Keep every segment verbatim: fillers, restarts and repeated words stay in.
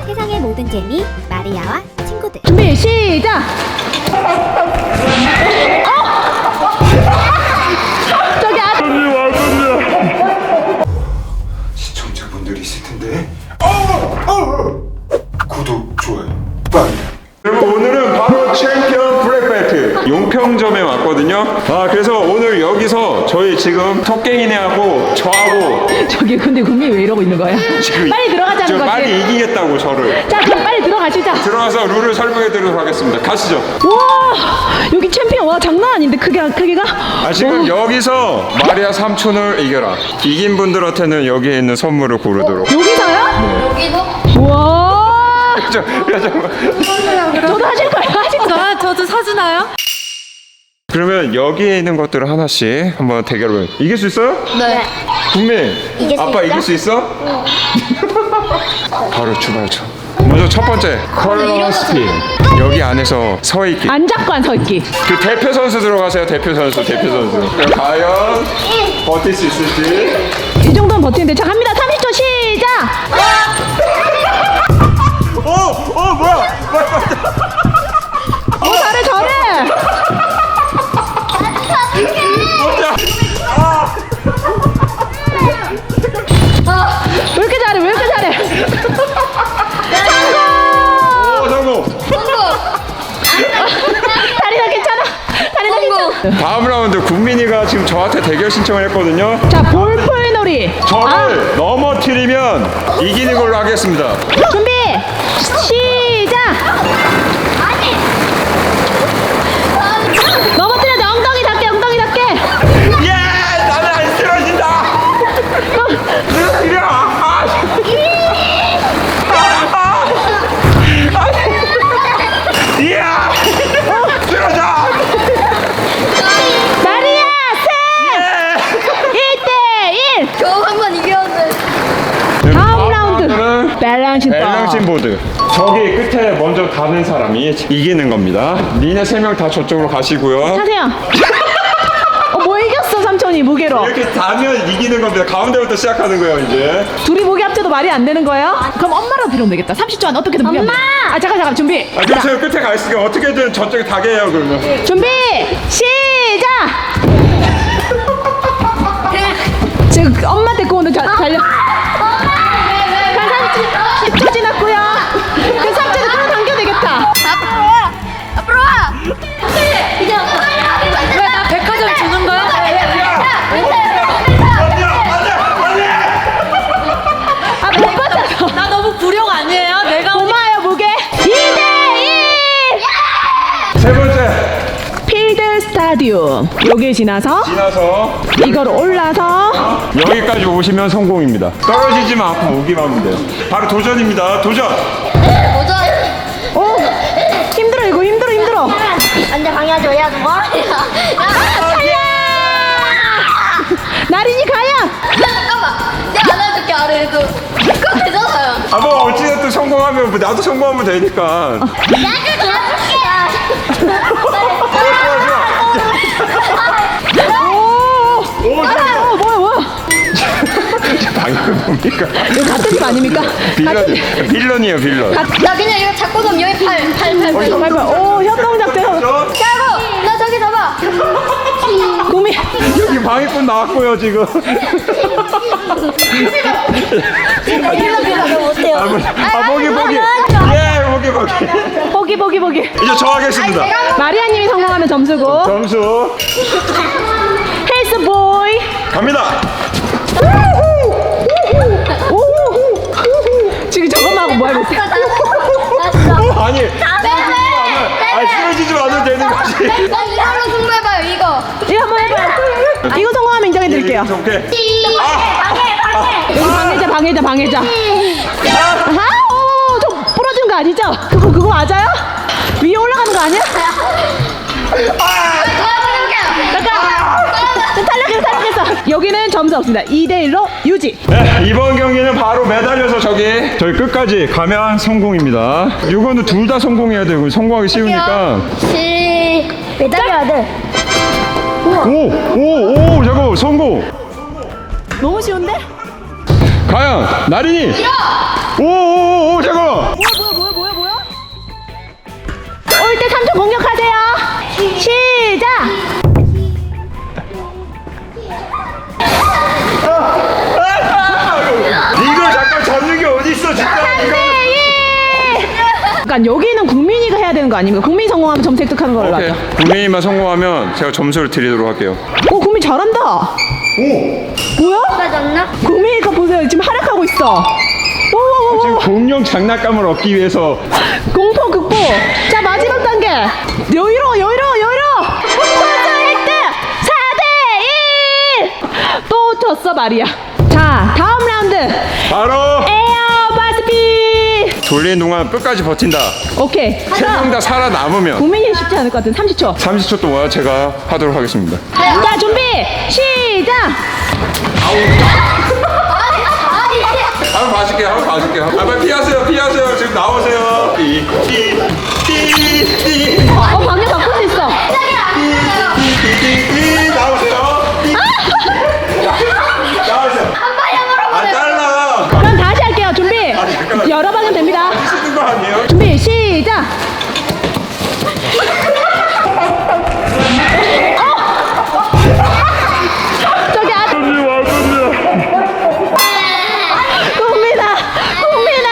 세상의 모든 재미 마리아와 친구들. 준비 시작. 어? 저기 앞. 시청자분들이 있을 텐데. 어! 어! 구독, 좋아요, 빨리. 여러분 오늘은 바로 챔피언 블랙벨트 용평점에 왔거든요. 아 그래서 오늘 여기서 저희 지금 토깽이네하고 저하고 저기 근데 국민이 왜 이러고 있는 거야? 지금 빨리 들어가자는 지금 거지. 빨리 이기겠다고 저를. 자 그럼 빨리 들어가시자. 들어가서 룰을 설명해 드리도록 하겠습니다. 가시죠. 와 여기 챔피언 와 장난 아닌데 크게 크기가. 아 지금 와, 여기서 마리아 삼촌을 이겨라. 이긴 분들한테는 여기에 있는 선물을 고르도록. 여기서요? 여기서? 와. 저, 야, 잠깐만. 저도 하실 거예요? 하실 거예요? 아, 저도 사주나요? 그러면 여기에 있는 것들을 하나씩 한번 대결을. 이길 수 있어요? 네. 국민 이길 수 아빠 있어? 이길 수 있어? 바로 출발하죠. 먼저 첫 번째 컬러 스킨. 여기 안에서 서 있기. 안 잡고 안 서 있기. 그 대표 선수 들어가세요. 대표 선수, 대표 선수. 과연 버틸 수 있을지. 이 정도는 버티는데 자 갑니다. 삼십 초 시작. 오, 오 뭐야? 어 잘해 잘해. 왜 이렇게 잘해 왜 이렇게 잘해. 오, 성공. 다리나 괜찮아? 다리나 괜찮아? 다음 라운드 국민이가 지금 저한테 대결 신청을 했거든요. 자 볼풀놀이. 저를 넘어뜨리면 이기는 걸로 하겠습니다. 아, 준비 시작. 넘어뜨려줘. 엉덩이 닿게 엉덩이 닿게. 예! 나는 안 쓰러진다! 쓰러지려! 아! 이야! 쓰러져! 마리아 셋 일 대 일. 겨우 한 번 이겼는데. 다음 라운드 밸런싱 밸런싱 보드. 저기 끝에 먼저 가는 사람이 이기는 겁니다. 니네 세 명 다 저쪽으로 가시고요. 하세요. 어, 뭐 이겼어 삼촌이 무게로. 이렇게 다면 이기는 겁니다. 가운데부터 시작하는 거예요, 이제. 둘이 무게 합쳐도 말이 안 되는 거예요? 그럼 엄마라도 데려오면 되겠다. 삼십 초 안에 어떻게든 무게 엄마! 아 잠깐 잠깐 준비. 아, 그럼 제가 끝에 가 있으니까 어떻게든 저쪽에 가게 해요, 그러면. 준비 시작. 지금 엄마 데리고 오는 자, 달려. 십 초 지났고요. 그 삼촌을 끌어당겨 되겠다. 앞으로 와! 앞으로 와! 이제 왜 나 백화점 주는 거야? 아 못 받아서. 나 너무 불용 아니에요? 내가 고마워요 무게. 이 대 일. 세 번째. 필드 스타디움. 여기 지나서 지나서 이걸 올라서 여기까지 오시면 성공입니다. 떨어지지만 않고 오기만 하면 돼요. 바로 도전입니다. 도전! 도전! 오 힘들어 이거 힘들어 힘들어. 안돼 방해하지 마야 너. 나린이 가야. 잠깐만. 내가 안아줄게 아래에도. 그거 되잖아요. 아, 뭐, 어찌됐든 성공하면, 뭐 나도 성공하면 되니까. 나도 오. 오, 어 뭐야 뭐야. 방금 뭡니까? 이거 같은 팀 아닙니까? 빌런, 빌런이에요, 빌런. 나 그냥 이거 잡고 놓으면 여기 팔, 팔, 팔, 팔. 잠깐만. 오 협동작 돼서. 야구! 나 저기 잡아! 구미. 여기 방해꾼 나왔고요, 지금. 나 일로 빌어 못해요. 아, 뭐, 아, 보기, 보기. 예, 보기, 보기. 보기 보기 보기. 이제 저 하겠습니다. 마리아님이 성공하면 점수고. 점수 헬스 보이. 갑니다. 지금 저것만 하고 뭐 하고 있어? 아니, 아니, 쓰러지지 않으면 되는 거지. 나 이걸로 승부해봐요 이거. 이거 한번 해봐요. 이거 성공하면 인정해드릴게요. 오케이. 여기 방해자 방해자 방해자. 아하 오좀 부러지는 거 아니죠? 그거 그거 맞아요? 위에 올라가는 거 아니야? 잠깐 탈락했어 탈락했어. 여기는 점수 없습니다. 이 대 일로 유지. 네, 이번 경기는 바로 매달려서 저기 저희 끝까지 가면 성공입니다. 이거는 둘 다 성공해야 돼요. 성공하기 쉬우니까. 시 매달려야 돼. 오, 오, 오, 잠깐만, 성공. 너무 쉬운데? 과연 나린이. 오, 오, 오, 잠깐만. 삼 초 공격하세요. 시작. 이걸 잠깐 잡는 게 어딨어 진짜 이거. 약간 여기는 국민이가 해야 되는 거 아닙니까? 국민이 성공하면 점수 획득하는 걸로 오케이. 하죠. 국민이만 성공하면 제가 점수를 드리도록 할게요. 오, 국민 잘한다. 오! 뭐야? 빠졌나? 국민이가 보세요. 지금 활약하고 있어. 오, 지금 공룡 장난감을 얻기 위해서 공포 극복. 자, 마지막 단계. 여유로워, 여유로워, 여유로워. 점수 획득 사 대 일. 또 졌어, 말이야. 자, 다음 라운드. 바로 에어 바스피. 돌리는 동안 끝까지 버틴다. 오케이. 세 명 다 살아남으면 국민이 쉽지 않을 것 같은 삼십 초. 삼십 초 동안 제가 하도록 하겠습니다. 자, 준비. 시작. 한번 봐줄게요. 한번 봐줄게요. 아, 빨리 피하세요. 피하세요. 지금 나오세요. 띠, 띠, 띠, 띠. 어, 방향 바꿀 수 있어. 띠, 띠, 띠. 나오세요. 띠. 나오세요. 안 달라. 그럼 다시 할게요. 준비. 잠깐만. 여러 방은 됩니다. 쓰는 거 아니에요? 준비 시작. 어! 저기 앞. 국민아, 국민아.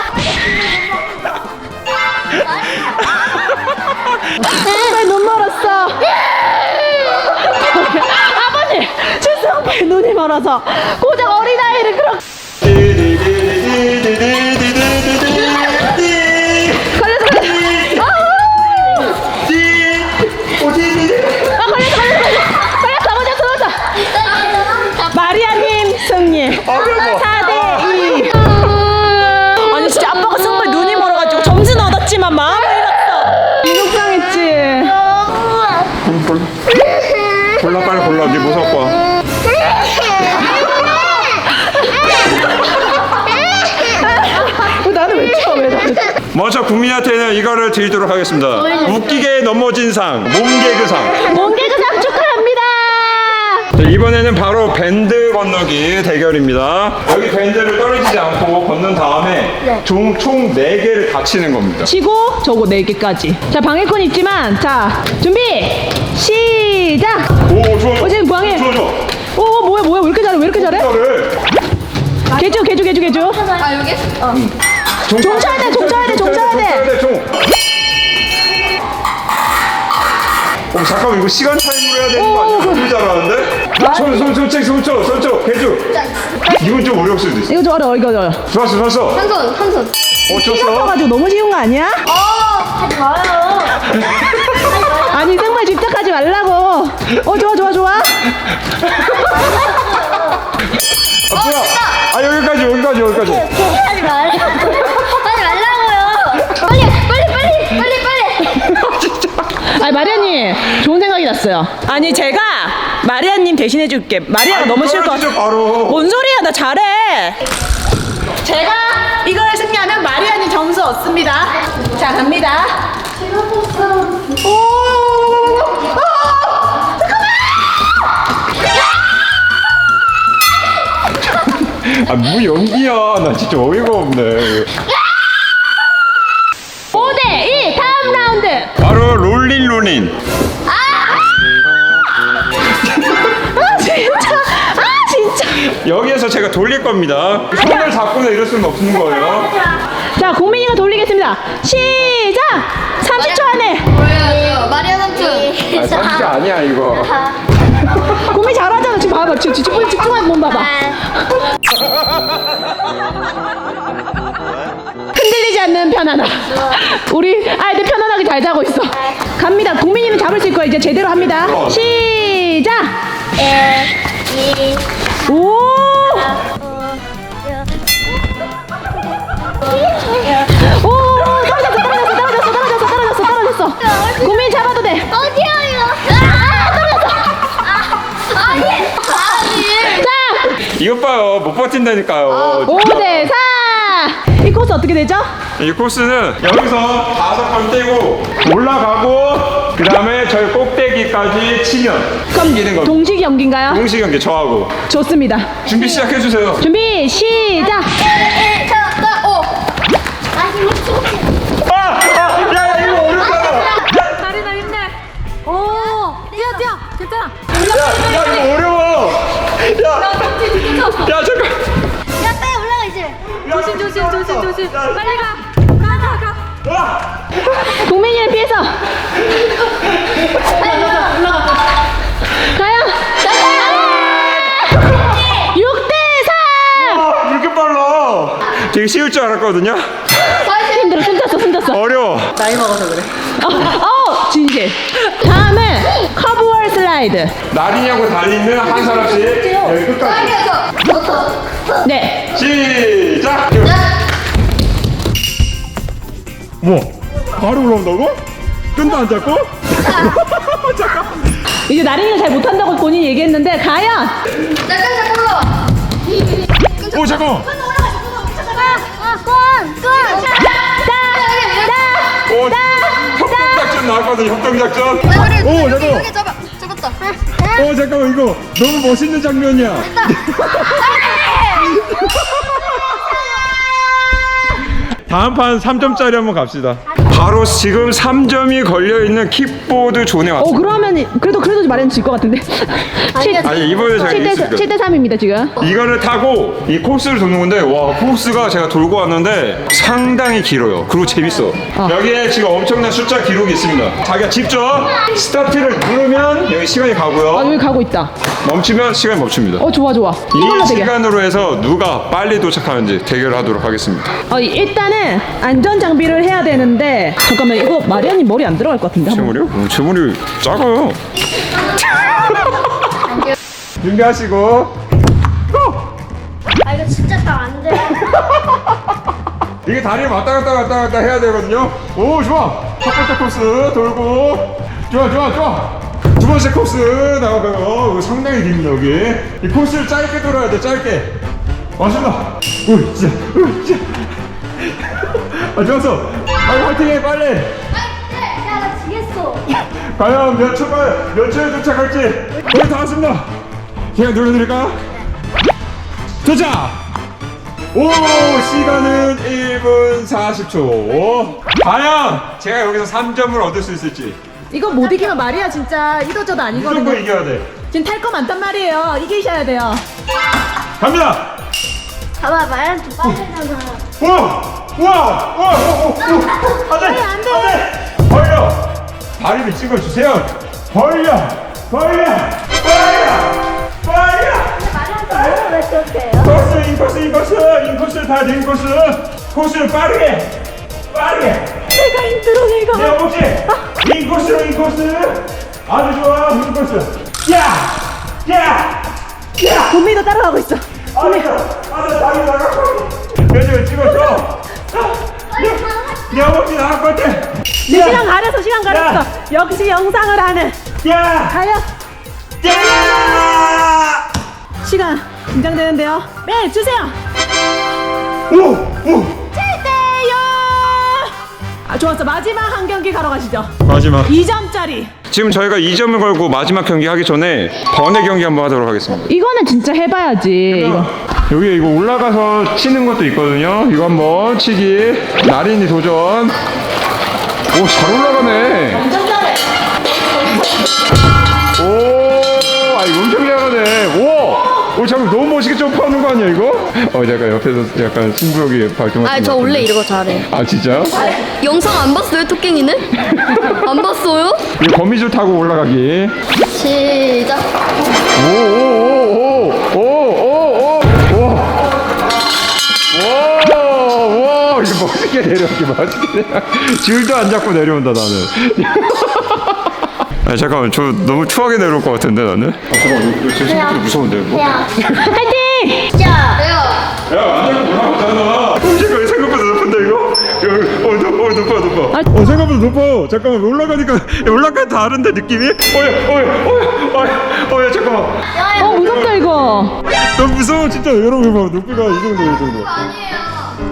정말 눈 멀었어. 아버님, 주성배 눈이 멀어서 고작 어린아이를 그렇게. 걸렸어, 걸렸어. 아우! 아, 걸렸어, 걸렸어, 걸렸어, 걸렸어, 걸렸어. 마리아님 승리. 사 대 이. 아니 진짜 아빠가 정말 눈이 멀어가지고 점수는 얻었지만 마음을 잃었어. 속상했지. 골라 빨리 골라. 네 뭐 살 거야? 어, 나는 왜 쳐? 왜 나는? 먼저 국민한테는 이거를 드리도록 하겠습니다. 웃기게 넘어진 상, 몸개그상. 몽개그상 축하합니다. 자, 이번에는 바로 밴드 건너기 대결입니다. 여기 밴드를 떨어지지 않고 건넌 다음에 총, 총 네 개를 다 치는 겁니다. 치고 저거 네 개까지. 자, 방해권 있지만 자 준비 시작. 오, 좋아. 어, 지금 방해. 좋아, 좋아. 오, 오 뭐야 뭐야 왜 이렇게 잘해 왜 이렇게 잘해? 이거를 개주 개주 개주 개주. 아 여기? 어. 종 종 쳐야 돼, 종 쳐야 돼, 종 쳐야 돼. 돼, 종. 어, 잠깐만 이거 시간 타임으로 해야 되는 거 아니야? 너무 잘하는데? 손, 손, 손, 책, 손 쳐, 손 쳐, 개주. 이건 좀 어려울 수도 있어. 이거 좀 어려워 이거 어려워. 좋았어, 좋았어. 한 손, 한 손. 어, 피가 쳤어. 커가지고 너무 쉬운 거 아니야? 어, 하지 마요. 아니 정말 집착하지 말라고. 어 좋아 좋아 좋아. 아, 뭐야? 아, 여기까지, 여기까지, 여기까지. 하지 말아요. 하지 말라고요. 빨리, 빨리, 빨리, 빨리, 빨리. 아니 마리아님 좋은 생각이 났어요. 아니 제가 마리아님 대신해 줄게. 마리아가 너무 쉬울 것 같아. 떨어지죠, 바로. 뭔 소리야 나 잘해. 제가 이걸 승리하면 마리아님 점수 얻습니다. 자 갑니다. 오! 아, 뭐 연기야. 나 진짜 어이가 없네. 오 대 이 다음 라운드. 바로 롤린 롤린. 아 진짜 아 진짜. 여기에서 제가 돌릴 겁니다. 손을 잡고는 이럴 수는 없는 거예요. 자 국민이가 돌리겠습니다. 시작. 삼십 초 안에. 뭐야, 마리아 삼촌. 아, 삼십 아니야, 이거. 국민 잘하잖아. 지금 봐봐. 지금 집중 집중하는 몸 봐봐. 흔들리지 않는 편안함. 우리 아이들 편안하게 잘 자고 있어. 갑니다. 국민이는 잡을 수 있고 이제 제대로 합니다. 시작. 오. 오, 떨어졌어, 떨어졌어, 떨어졌어, 떨어졌어, 떨어졌어, 떨어졌어. 국민 잡아도 돼. 어디야, 이거? 아, 떨어졌어. 아니, 아니. 자, 이것 봐요. 못 버틴다니까요. 오 대 사. 이 코스 어떻게 되죠? 이 코스는 여기서 다섯 번 떼고 올라가고 그 다음에 저희 꼭대기까지 치면 이기는 겁니다. 동식 연기인가요? 동시 경기 저하고 좋습니다. 준비 시작해 주세요. 준비 시작. 자, 자, 오. 아, 아, 야, 야, 이거 어렵다. 야, 조심 조심. 빨리 가. 가 가 가. 동민이를 피해서. 가요. 육 대 사. 왜 이렇게 빨라? 되게 쉬울 줄 알았거든요. 힘들어. 숨졌어 숨졌어. 어려워. 나이 먹어서 그래. 어, 어 진실. 다음은 커브월 슬라이드. 날이냐고 달리는 한 사람씩 여기 끝까지. 네. 시작. 뭐? 바로 올라온다고? 끈도 안 잡고? 이제 나린이가 잘 못한다고 본인이 얘기했는데 과연 잠깐 잠깐 올라와. 오 잠깐. 오 협동작전 나왔거든. 협동작전. 오 잠깐. 여기 잡아. 잡았다. 오 잠깐만 이거 너무 멋있는 장면이야. 다음 판 삼 점짜리 한번 갑시다. 바로 지금 삼 점이 걸려있는 킥보드 존에 어 왔습니다. 그러면 그래도 그래도 마련 질것 같은데. 아니 이번에 제가 이겼습니다. 칠 대 삼입니다 지금. 이거를 타고 이 코스를 도는 건데 와 코스가 제가 돌고 왔는데 상당히 길어요. 그리고 재밌어. 여기에 지금 엄청난 숫자 기록이 있습니다. 자기가 직접 스타트를 누르면 여기 시간이 아 가고요. 여기 가고 있다. 멈추면 시간이 멈춥니다. 어 좋아 좋아. 이걸로 이 되게. 시간으로 해서 누가 빨리 도착하는지 대결하도록 하겠습니다. 어 일단은 안전 장비를 해야 되는데 잠깐만 이거 마리아님 머리 안 들어갈 것 같은데. 제 한번. 머리요? 어, 제 머리 작아요. 준비하시고 아 이거 진짜 딱 안 돼. 이게 다리를 왔다 갔다 왔다 갔다 해야 되거든요. 오 좋아. 첫 번째 코스 돌고 좋아 좋아 좋아. 두 번째 코스 나가고요. 이거 상당히 깁니다 여기. 이 코스를 짧게 돌아야 돼 짧게. 왔습니다. 우 진짜 우 진짜. 아 좋았어. 아 화이팅해 빨리. 야나 지겠어. 과연 몇 초간 몇 초에 도착할지. 거의 다 왔습니다. 제가 눌러드릴까요? 도착. 오 시간은 일 분 사십 초. 과연 제가 여기서 삼 점을 얻을 수 있을지. 이거 못 이기면 마리아 진짜 이도저도 아니거든요. 무조건 이겨야 돼. 지금 탈 거 많단 말이에요. 이기셔야 돼요. 갑니다. 봐봐 말한 좀 빨리잖아. 우와 우와 우와 우와 안돼 안돼 벌려 다리를 찍어주세요. 벌려 벌려 벌려 벌려. 말한 왜 그렇게 해요? 코스 인코스 인코스 인코스 다 인코스 코스를 빠르게 빠르게. 내가 힘들어 내가. 내 허벅지 인코스로 인코스 아주 좋아 인코스 야야야 도미도 따라가고 있어. 아니 아니 다리 나가고 면접을 찍어줘. 내 허벅지 나갈 것 같아. 내 시간 가렸어 시간 가렸어. 역시 영상을 하는. 야 가요. 야 시간 긴장되는데요. 네 주세요. 오오 칠 대 영. 아 좋았어. 마지막 한 경기 가러 가시죠. 마지막. 이 점짜리. 지금 저희가 이 점을 걸고 마지막 경기 하기 전에 번외 경기 한번 하도록 하겠습니다. 이거는 진짜 해봐야지. 이거. 여기 이거 올라가서 치는 것도 있거든요. 이거 한번 치기. 나린이 도전. 오, 잘 올라가네. 완전 잘해. 오, 아 이거 엄청 잘하네. 오, 오 잠깐 너무 멋있게 점프하는 거 아니야 이거? 어, 잠깐 옆에서 약간 승부욕이 발동하는. 아 저 원래 이런 거 잘해. 아 진짜요? 영상 안 봤어요 토깽이는? 안 봤어요? 이 거미줄 타고 올라가기. 시작. 오오오오오오오오 와 이거 멋있게 내려오기 멋있게 내려. 줄도 안 잡고 내려온다 나는. 아 잠깐만 저 너무 추하게 내려올 것 같은데 나는. 아 잠깐만 이거 제 생각보다 무서운데 이거. 화이팅! 자. 내가. 야안 잡고 올라가잖아. 어 잠깐 생각보다 높은데 이거. 어 높아 어 높아 높아. 어 생각보다 높아. 잠깐만 올라가니까 올라가 다른데 느낌이. 어야 어야 어야 어야 잠깐만. 어 무섭다 이거. 너무 무서워 진짜. 여러분 봐 높이가 이 정도 이 정도. 아니에요.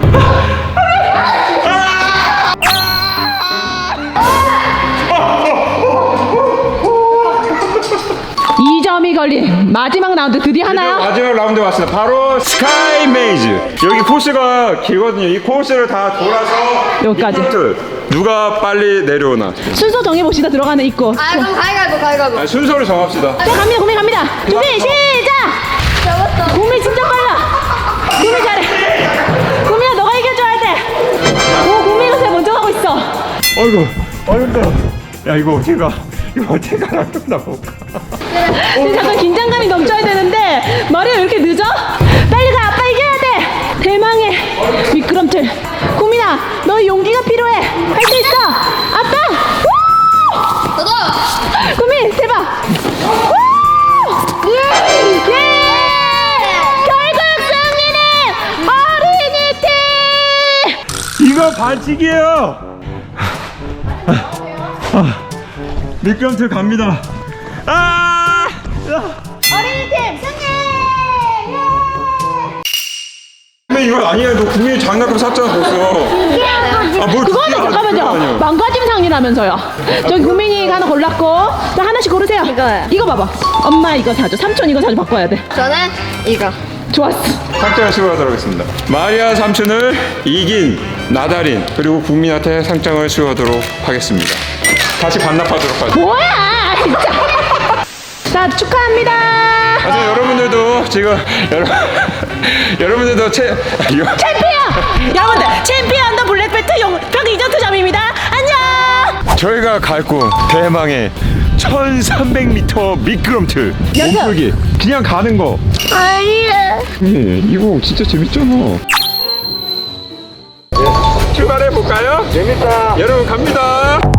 이 점이 걸린 마지막 라운드 드디어 하나요? 마지막 라운드 왔습니다. 바로 스카이 메이즈. 여기 코스가 길거든요. 이 코스를 다 돌아서 여기까지. 이 포인트. 누가 빨리 내려오나. 순서 정해봅시다. 들어가는 입구. 아 그럼 가위가위보 가위가위보. 아니, 순서를 정합시다. 자 갑니다 구미 갑니다. 준비 시작. 잡았다. 구미 진짜 빨라. 구미 잘해. 구미야 너가 이겨줘야지. 어이구, 어이구. 야, 이거 어떻게 가? 이거 어떻게 가라? 나 볼까? 지금 잠깐 긴장감이 넘쳐야 되는데 마리아 왜 이렇게 늦어? 빨리 가. 아빠 이겨야 돼. 대망의 미끄럼틀. 구민아, 너 용기가 필요해. 할 수 있어. 아빠. 우! 저도. 구민 대박. 우! 예! 결국 승리는 어린이 팀. 이거 반칙이에요. 아, 아, 미끄럼틀 갑니다. 아! 어린이 팀 승리. 근데 이거 아니야. 너 국민이 장난감 샀잖아 벌써. 아, 뭘 그거는 잠깐만요. 망가짐 상이라면서요. 저기 구민이 하나 골랐고, 자 하나씩 고르세요. 이거요. 이거 봐봐. 엄마 이거 사줘. 삼촌 이거 사줘. 바꿔야 돼. 저는 이거. 좋았어. 상장을 수여하도록 하겠습니다. 마리아 삼촌을 이긴 나다린 그리고 국민한테 상장을 수여하도록 하겠습니다. 다시 반납하도록 하죠. 뭐야 진짜. 자 축하합니다. 하여튼 여러분들도 지금 여러, 여러분들도 채 이거 챔피언. 여러분들 챔피언 더 블랙벨트 용평 리조트점입니다. 안녕. 저희가 갈 곳 대망의 천삼백 미터 미끄럼틀 연습. 몸풀기 그냥 가는 거. 아니야. 예, 이거 진짜 재밌잖아. 출발해 볼까요? 재밌다. 여러분 갑니다.